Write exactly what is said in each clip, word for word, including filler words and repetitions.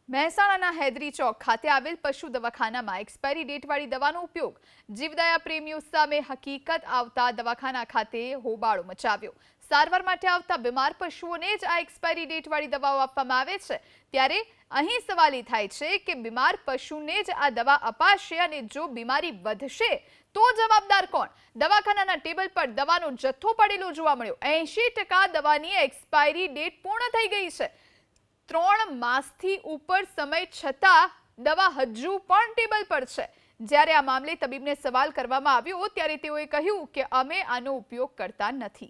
મહેસાણાના હૈદરી ચોક ખાતે આવેલ પશુ દવાખાનામાં એક્સપાયરી ડેટવાળી દવાનો ઉપયોગ જીવદયા પ્રેમીઓ સામે હકીકત આવતા દવાખાના ખાતે હોબાળો મચાવ્યો। સારવાર માટે આવતા બીમાર પશુઓને જ આ એક્સપાયરી ડેટવાળી દવાઓ આપવામાં આવે છે, ત્યારે અહીં સવાલ એ થાય છે કે બીમાર પશુને જ આ દવા અપાશે અને જો બીમારી વધશે તો જવાબદાર કોણ? દવાખાનાના ટેબલ પર દવાનો જથ્થો પડેલો જોવા મળ્યો। એંશી ટકા દવાની એક્સપાયરી ડેટ પૂર્ણ થઈ ગઈ છે। ત્રણ માસથી ઉપર સમય છતાં દવા હજુ પણ ટેબલ પર છે। જ્યારે આ મામલે તબીબને સવાલ કરવામાં આવ્યો ત્યારે તેઓએ કહ્યું કે અમે આનો ઉપયોગ કરતા નથી।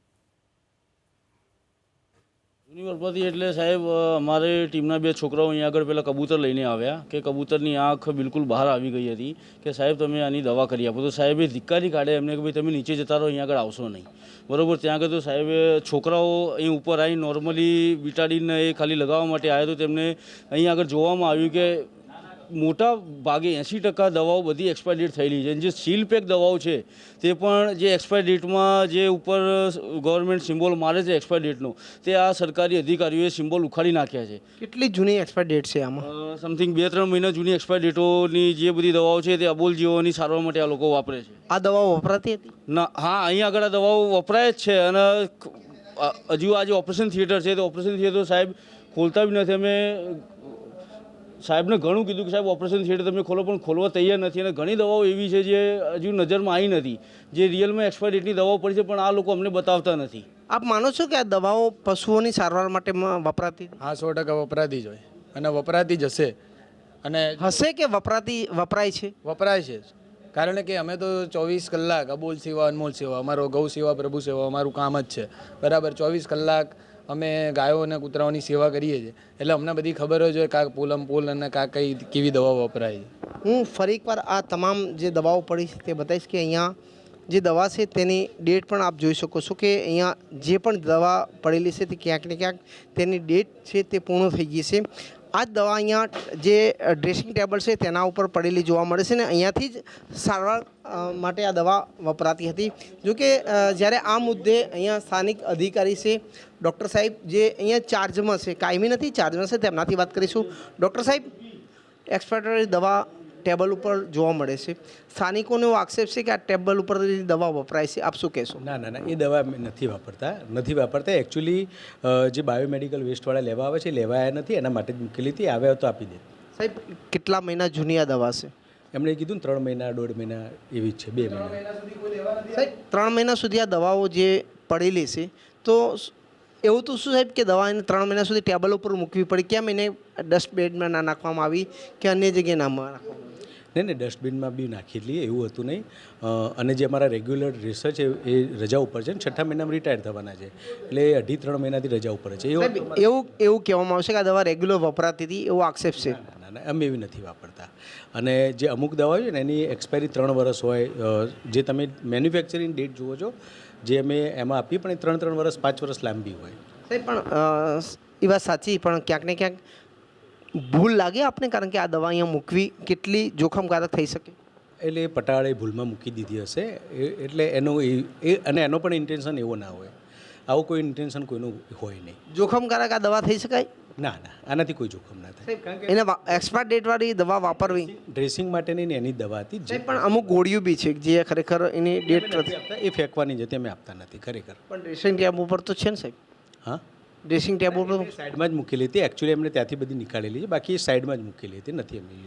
યુનિવર્સિટી એટલે સાહેબ અમારે ટીમના બે છોકરાઓ અહીંયા આગળ પેલા કબૂતર લઈને આવ્યા કે કબૂતરની આંખ બિલકુલ બહાર આવી ગઈ હતી કે સાહેબ તમે આની દવા કરી આપો, તો સાહેબે ધિક્કારી કાઢે એમને કે ભાઈ તમે નીચે જતા રહો, અહીંયા આગળ આવશો નહીં, બરાબર। ત્યાં આગળ તો સાહેબે છોકરાઓ અહીં ઉપર આવી નોર્મલી બીટાડીન એ ખાલી લગાવવા માટે આવ્યા, તો તેમને અહીં આગળ જોવામાં આવ્યું કે મોટા ભાગે એંસી ટકા દવાઓ બધી એક્સપાયર ડેટ થયેલી છે। જે સીલ પેક દવાઓ છે તે પણ જે એક્સપાયર ડેટમાં જે ઉપર ગવર્મેન્ટ સિમ્બોલ મારે છે એક્સપાયર ડેટનો, તે આ સરકારી અધિકારીઓએ સિમ્બોલ ઉખાડી નાખ્યા છે। કેટલી જૂની એક્સપાયર ડેટ છે આમાં? સમથિંગ બે ત્રણ મહિના જૂની એક્સપાયર ડેટોની જે બધી દવાઓ છે તે અબોલ જીવોની સારવાર માટે આ લોકો વાપરે છે। આ દવાઓ વપરાતી હતી? ના, હા, અહીંયા આગળ આ દવાઓ વપરાય જ છે અને હજુ આ જે ઓપરેશન થિયેટર છે તો ઓપરેશન થિયેટર સાહેબ ખોલતા બી નથી। અમે સાહેબને ઘણું કીધું કે સાહેબ ઓપરેશન થિયેટર તમે ખોલો, પણ ખોલવા તૈયાર નથી અને ઘણી દવાઓ એવી છે જે હજુ નજરમાં આવી નથી, જે રિયલમાં એક્સપાયર ડેટની દવાઓ પડી છે પણ આ લોકો અમને બતાવતા નથી। આપ માનો છો કે આ દવાઓ પશુઓની સારવાર માટે વપરાતી? હા, સો ટકા વપરાતી જ હોય અને વપરાતી જ હશે અને હશે કે વપરાતી વપરાય છે? વપરાય છે, કારણ કે અમે તો ચોવીસ કલાક અબોલ સેવા અનમોલ સેવા, અમારો ગૌ સેવા પ્રભુ સેવા અમારું કામ જ છે, બરાબર। ચોવીસ કલાક અમે ગાયો અને કૂતરાઓની સેવા કરીએ છીએ, એટલે અમને બધી ખબર જ હોય કાં પોલમ પોલ અને કાં કઈ કેવી દવાઓ વપરાય છે। હું ફરી એકવાર આ તમામ જે દવાઓ પડી છે તે બતાવીશ કે અહીંયા જે દવા છે તેની ડેટ પણ આપ જોઈ શકો છો કે અહીંયા જે પણ દવા પડેલી છે તે ક્યાંક ને ક્યાંક તેની ડેટ છે તે પૂર્ણ થઈ ગઈ છે। આ જ દવા અહીંયા જે ડ્રેસિંગ ટેબલ છે તેના ઉપર પડેલી જોવા મળે છે ને અહીંયાથી જ સારવાર માટે આ દવા વપરાતી હતી। જોકે જ્યારે આ મુદ્દે અહીંયા સ્થાનિક અધિકારી છે ડૉક્ટર સાહેબ જે અહીંયા ચાર્જમાં છે, કાયમી નથી ચાર્જમાં છે, તેમનાથી વાત કરીશું। ડૉક્ટર સાહેબ, એક્સપાયરી દવા ટેબલ ઉપર જોવા મળે છે, સ્થાનિકોનો એવો આક્ષેપ છે કે આ ટેબલ ઉપર દવા વપરાય છે, આપ શું કહેશો? ના ના ના એ દવા નથી વાપરતા નથી વાપરતા એકચ્યુઅલી જે બાયોમેડિકલ વેસ્ટવાળા લેવા આવે છે લેવાયા નથી, એના માટે જ મૂકેલી હતી, આવે તો આપી દે। સાહેબ, કેટલા મહિના જૂની આ દવા છે? એમણે કીધું ને ત્રણ મહિના દોઢ મહિના એવી જ છે, બે મહિના। સાહેબ, ત્રણ મહિના સુધી આ દવાઓ જે પડેલી છે, તો એવું તો શું સાહેબ કે દવા એને ત્રણ મહિના સુધી ટેબલ ઉપર મૂકવી પડી, કેમ એને ડસ્ટબેડમાં ના નાખવામાં આવી કે અન્ય જગ્યાએ ના નાખવામાં આવી? નહીં નહીં ડસ્ટબિનમાં બી નાખી લઈએ એવું હતું નહીં। અને જે અમારા રેગ્યુલર રિસર્ચ એ રજા ઉપર છે ને છઠ્ઠા મહિનામાં રિટાયર થવાના છે, એટલે એ અઢી ત્રણ મહિનાથી રજા ઉપર છે। એવું એવું એવું કહેવામાં આવશે કે આ દવા રેગ્યુલર વપરાતી હતી એવો આક્ષેપ છે? ના ના અમે એવી નથી વાપરતા। અને જે અમુક દવા છે ને એની એક્સપાયરી ત્રણ વર્ષ હોય, જે તમે મેન્યુફેક્ચરિંગ ડેટ જુઓ છો જે અમે એમાં આપીએ પણ એ ત્રણ ત્રણ વર્ષ પાંચ વર્ષ લાંબી હોય। સાહેબ, પણ એ વાત સાચી, પણ ક્યાંક ને ક્યાંક ભૂલ લાગે આપને, કારણ કે આ દવા અહીંયા મૂકવી કેટલી જોખમકારક થઈ શકે? એટલે એ પટાળે ભૂલમાં મૂકી દીધી હશે, એટલે એનું એ અને એનો પણ ઇન્ટેન્શન એવો ના હોય, આવું કોઈ ઇન્ટેન્શન કોઈનું હોય નહીં। જોખમકારક આ દવા થઈ શકાય? ના ના આનાથી કોઈ જોખમ ના થાય, કારણ કે એને એક્સપાયર ડેટવાળી દવા વાપરવી ડ્રેસિંગ માટેની ને એની દવા હતી જ, પણ અમુક ગોળીઓ બી છે જે ખરેખર એની ડેટ નથી આપતા, એ ફેંકવાની છે, અમે આપતા નથી ખરેખર। પણ ડ્રેસિંગ ટેબ ઉપર તો છે ને સાહેબ? હા, ડ્રેસિંગ ટેબ ઉપર સાઈડમાં જ મૂકેલી હતી, એકચ્યુઅલી એમને ત્યાંથી બધી નીકાળેલી છે, બાકી એ સાઈડમાં જ મૂકેલી હતી, નથી અમે